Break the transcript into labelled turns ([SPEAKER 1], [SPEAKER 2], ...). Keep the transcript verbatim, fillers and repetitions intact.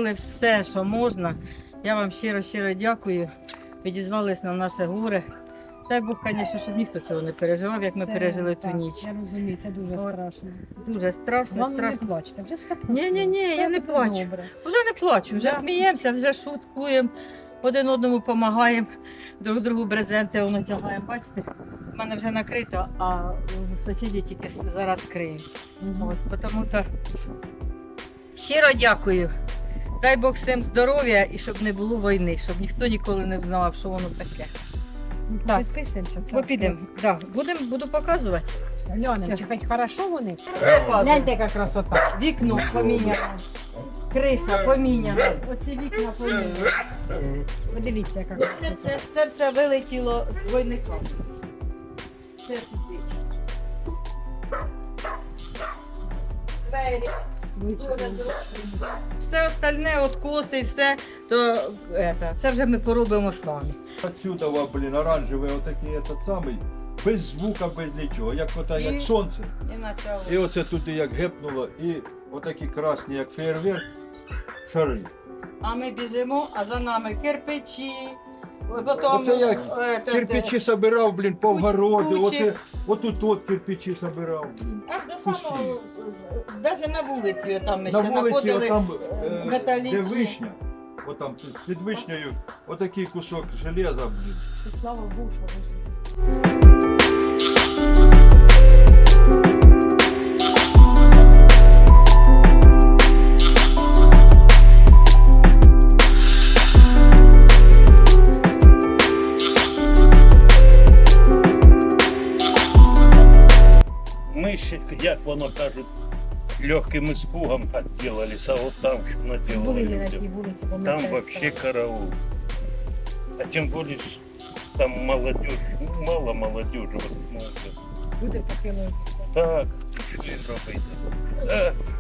[SPEAKER 1] зробили все, що можна. Я вам щиро-щиро дякую. Відізвались на наше горе. Дай Бог, звісно, щоб ніхто цього не переживав, як ми
[SPEAKER 2] Це,
[SPEAKER 1] пережили ту
[SPEAKER 2] так,
[SPEAKER 1] ніч.
[SPEAKER 2] Я розумію, це дуже
[SPEAKER 1] От.
[SPEAKER 2] страшно.
[SPEAKER 1] Дуже страшно,
[SPEAKER 2] Вам не
[SPEAKER 1] страшно.
[SPEAKER 2] плачте, вже все пройшло.
[SPEAKER 1] Ні, ні, ні,
[SPEAKER 2] Все
[SPEAKER 1] я не
[SPEAKER 2] буде
[SPEAKER 1] плачу.
[SPEAKER 2] добре.
[SPEAKER 1] Вже не плачу, вже
[SPEAKER 2] Да.
[SPEAKER 1] сміємося, вже шуткуємо, один одному допомагаємо, друг другу брезенти воно тягаємо. Бачите, в мене вже накрито, а сусіди тільки зараз криють.
[SPEAKER 2] Мгм.
[SPEAKER 1] От, тому то щиро дякую. Дай Бог всім здоров'я і щоб не було війни, щоб ніхто ніколи не знав, що воно таке. Так.
[SPEAKER 2] Підписуємося. це
[SPEAKER 1] Ми підемо. Да, будемо, буду показувати.
[SPEAKER 2] Глянемо, чи хоч хорошо вони?
[SPEAKER 1] Показую.
[SPEAKER 2] Гляньте, яка красота.
[SPEAKER 1] Вікно поміняно, криша поміняна, оці вікна поміняні.
[SPEAKER 2] Подивіться, яка
[SPEAKER 1] Це,
[SPEAKER 2] красота.
[SPEAKER 1] це, це все вилетіло з двойника. Це туди. Двері. Все остальне, откоси, все, то это, це вже ми поробимо самі.
[SPEAKER 3] Отсюда, во, блін, оранжевий, отакий этот самий, без звука, без нічого, як ота,
[SPEAKER 1] І-
[SPEAKER 3] як сонце.
[SPEAKER 1] І почало.
[SPEAKER 3] І оце туди як гепнуло, і отакі красні, як фейерверк, шари.
[SPEAKER 1] А ми біжимо, а за нами кирпичі. Потім,
[SPEAKER 3] Оце я
[SPEAKER 1] е, те-
[SPEAKER 3] кирпичі собирав, блін, по
[SPEAKER 1] Куч-
[SPEAKER 3] вгороду,
[SPEAKER 1] кучі.
[SPEAKER 3] оце, отут от кирпичі собирав, блін.
[SPEAKER 1] Аж до самого, навіть на вулиці там ми
[SPEAKER 3] На
[SPEAKER 1] ще
[SPEAKER 3] вулиці,
[SPEAKER 1] знаходили.
[SPEAKER 3] отам,
[SPEAKER 1] е,
[SPEAKER 3] е,
[SPEAKER 1] металічні.
[SPEAKER 3] де вишня, отам під- під вишнею, отакий кусок железа, блін.
[SPEAKER 2] І слава Богу, що ви живі.
[SPEAKER 4] Ми ще, як воно кажуть, легким испугом отделались, а от там що
[SPEAKER 2] Були
[SPEAKER 4] наделали
[SPEAKER 2] ми на тій
[SPEAKER 4] людям.
[SPEAKER 2] вулиці,
[SPEAKER 4] Там
[SPEAKER 2] пам'ятаю,
[SPEAKER 4] вообще
[SPEAKER 2] стало.
[SPEAKER 4] караул. А тем более, ж там молодежь, ну, мало молодежи. Вот, ну,
[SPEAKER 2] Люди похилили.
[SPEAKER 4] так, що їм робити? Е,